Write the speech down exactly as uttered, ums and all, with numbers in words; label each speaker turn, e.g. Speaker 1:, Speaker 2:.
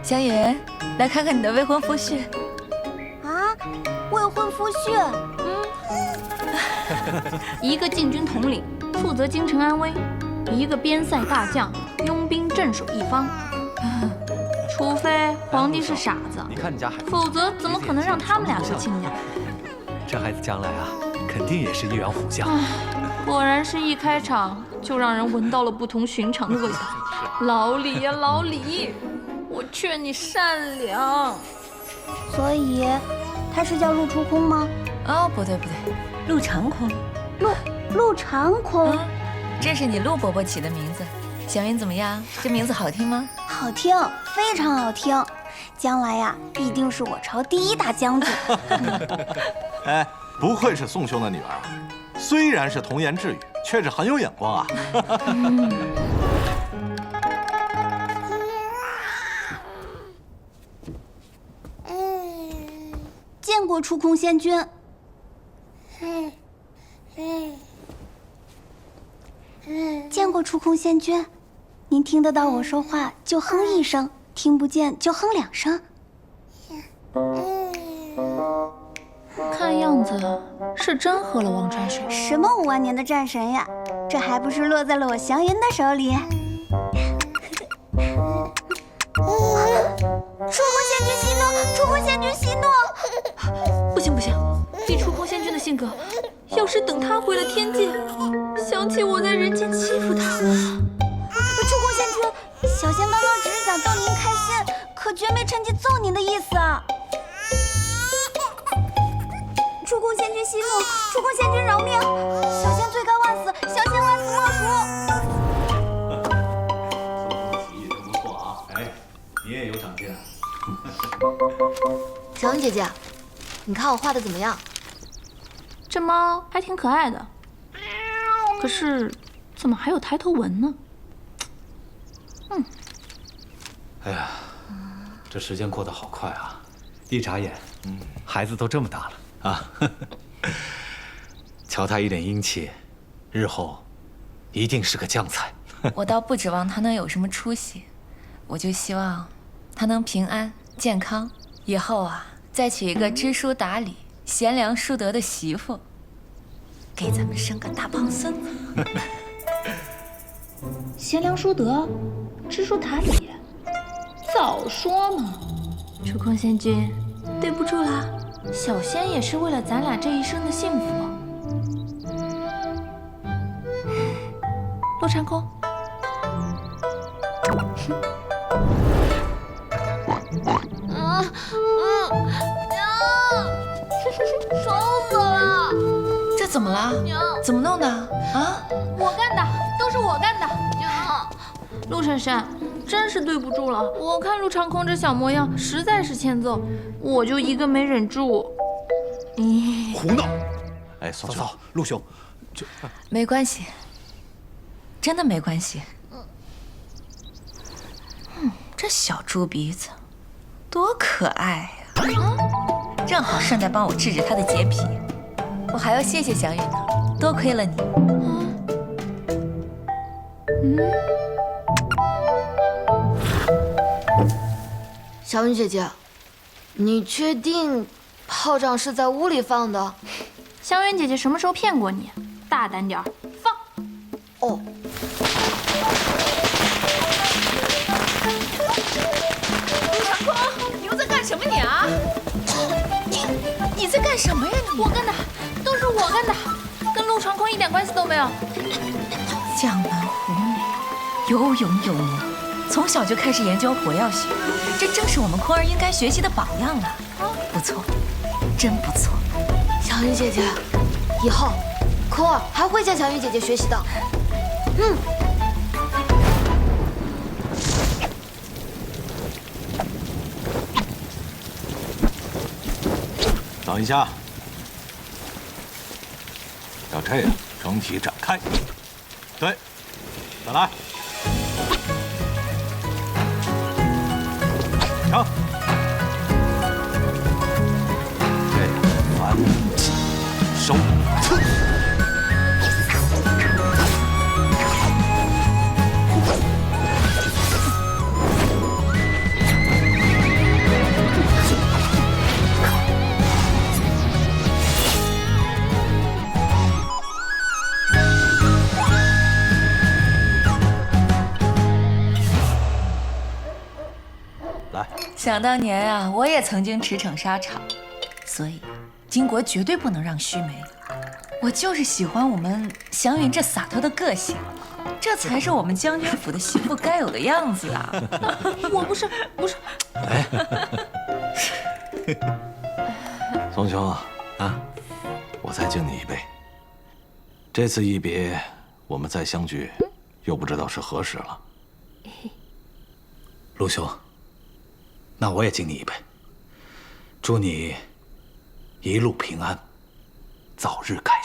Speaker 1: 香云，来看看你的未婚夫婿。
Speaker 2: 啊，未婚夫婿？
Speaker 3: 嗯，一个禁军统领，负责京城安危；一个边塞大将，拥兵镇守一方。除非皇帝是傻子，
Speaker 4: 你看你家孩子，
Speaker 3: 否则怎么可能让他们俩做亲家？
Speaker 4: 这孩子将来啊，肯定也是一员虎将。
Speaker 3: 果然是一开场就让人闻到了不同寻常的味道。老李呀，老李，我劝你善良。
Speaker 2: 所以，他是叫陆出空吗？
Speaker 1: 哦，不对不对，陆长空。
Speaker 2: 陆陆长空，
Speaker 1: 嗯，这是你陆伯伯起的名字。小云怎么样？这名字好听吗？
Speaker 2: 好听，非常好听。将来呀，必定是我朝第一大将军。
Speaker 5: 哎，不愧是宋兄的女儿啊！虽然是童言稚语，却是很有眼光啊。
Speaker 2: 见过出空仙君。见过出空仙君，您听得到我说话就哼一声，听不见就哼两声。
Speaker 3: 看样子是真喝了忘川水。
Speaker 2: 什么五万年的战神呀，这还不是落在了我祥云的手里。出空仙君息怒！出空仙君息怒！
Speaker 3: 不行不行，以出空仙君的性格，要是等他回了天界，想起我在人间欺负他。
Speaker 2: 出空仙君，小仙刚刚只是想逗您开心，可绝没趁机揍您的意思啊！出空仙君息怒！出空仙君饶命！小仙罪该万死，小仙万死莫赎！
Speaker 6: 棋艺真不错啊！哎，你也有长进啊！
Speaker 7: 小云姐姐，你看我画的怎么样？
Speaker 3: 这猫还挺可爱的，可是怎么还有抬头纹呢？嗯，
Speaker 4: 哎呀，这时间过得好快啊！一眨眼，嗯，孩子都这么大了啊！瞧他一脸英气，日后一定是个将才。
Speaker 1: 我倒不指望他能有什么出息，我就希望他能平安健康，以后啊再娶一个知书达理、贤良淑德的媳妇，给咱们生个大胖孙子。
Speaker 3: 贤良淑德，知书达理，早说嘛！出空仙君，对不住啦，小仙也是为了咱俩这一生的幸福。陆长空，
Speaker 7: 嗯嗯，娘，爽死了！
Speaker 1: 这怎么了？
Speaker 7: 娘，
Speaker 1: 怎么弄的啊？
Speaker 3: 我干的，都是我干的。娘，陆婶婶，真是对不住了。我看陆长空这小模样，实在是欠揍，我就一个没忍住。
Speaker 5: 咦，胡闹！哎，嫂嫂，陆兄，这
Speaker 1: 没关系，真的没关系。嗯，这小猪鼻子多可爱呀！啊，正好顺带帮我治治他的洁癖。我还要谢谢小雨呢，多亏了你。
Speaker 3: 嗯，
Speaker 7: 小云姐姐，你确定炮仗是在屋里放的？
Speaker 3: 香云姐姐什么时候骗过你？大胆点儿，放！
Speaker 7: 哦。
Speaker 1: 陆长空，你又在干什么你啊？你你在干什么呀你？
Speaker 3: 我干的，都是我干的，跟陆长空一点关系都没有。
Speaker 1: 江门虎美，有勇有谋，从小就开始研究火药学，这正是我们空儿应该学习的榜样啊！不错，真不错。
Speaker 7: 小云姐姐，以后空儿还会向小云姐姐学习的。嗯。
Speaker 5: 等一下，要这样整体展开。对，再来，成。这样翻起收刺。
Speaker 1: 想当年啊，我也曾经驰骋沙场，所以金国绝对不能让须眉。我就是喜欢我们祥云这洒脱的个性，这才是我们将军府的媳妇该有的样子啊！
Speaker 3: 我不是，不是。
Speaker 5: 哎，宋兄啊，啊，我再敬你一杯。这次一别，我们再相聚，又不知道是何时了。
Speaker 4: 陆兄，那我也敬你一杯，祝你一路平安，早日开